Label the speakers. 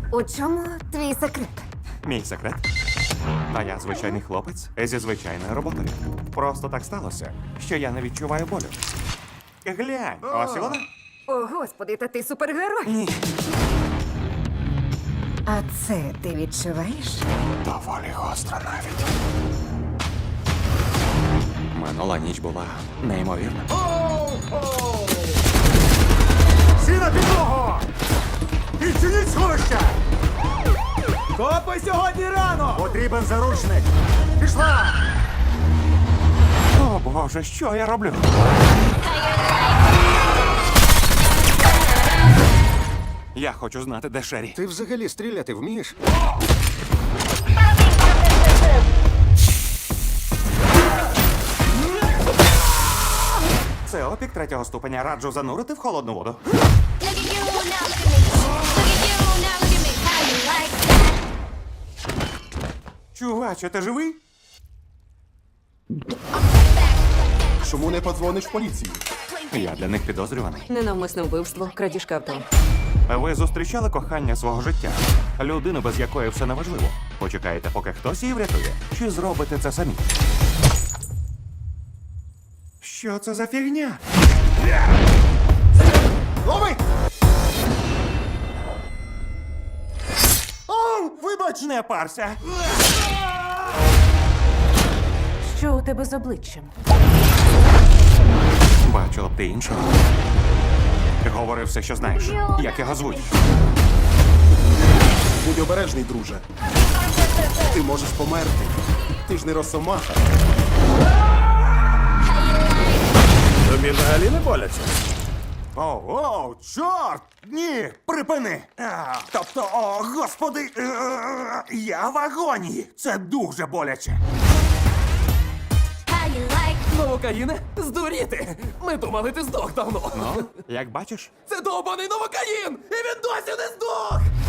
Speaker 1: У чому твій секрет?
Speaker 2: Мій секрет. А я звичайний хлопець зі звичайною роботою. Просто так сталося, що я не відчуваю болю. Глянь, ось і вона.
Speaker 1: О, господи, та ти супергерой.
Speaker 2: Ні.
Speaker 1: А це ти відчуваєш?
Speaker 2: Доволі гостро навіть. Минула ніч була неймовірна.
Speaker 3: Всі на підлогу! Відчиніть сховище!
Speaker 4: Копи сьогодні рано!
Speaker 3: Потрібен заручник! Пішла!
Speaker 2: О, Боже, що я роблю? Я хочу знати, де Шері.
Speaker 3: Ти взагалі стріляти вмієш?
Speaker 2: Це опік третього ступеня. Раджу занурити в холодну воду.
Speaker 5: Look at you now, look at me. Look at you now, look at me. How you like that?
Speaker 2: Чуваче, ти живий?
Speaker 3: Чому не подзвониш в поліцію?
Speaker 2: Я для них підозрюваний.
Speaker 1: Ненавмисне вбивство, крадіжка авто.
Speaker 2: Ви зустрічали кохання свого життя? Людину, без якої все неважливо. Почекаєте, поки хтось її врятує? Чи зробите це самі? Що це за фігня?
Speaker 3: Лови!
Speaker 2: О, вибач, не парся.
Speaker 1: Що у тебе з обличчям?
Speaker 2: Бачила б ти іншого. Говори все, що знаєш. Як його звуть?
Speaker 3: Будь обережний, друже. Ти можеш померти. Ти ж не росомаха.
Speaker 4: Тобі взагалі не боляться?
Speaker 2: О, чорт! Ні, припини! Тобто, о, господи, я в агонії. Це дуже боляче.
Speaker 5: How you like
Speaker 4: Новокаїне? Здуріти! Ми думали, ти здох давно.
Speaker 2: Ну, як бачиш?
Speaker 4: Це довбаний новокаїн! І він досі не здох!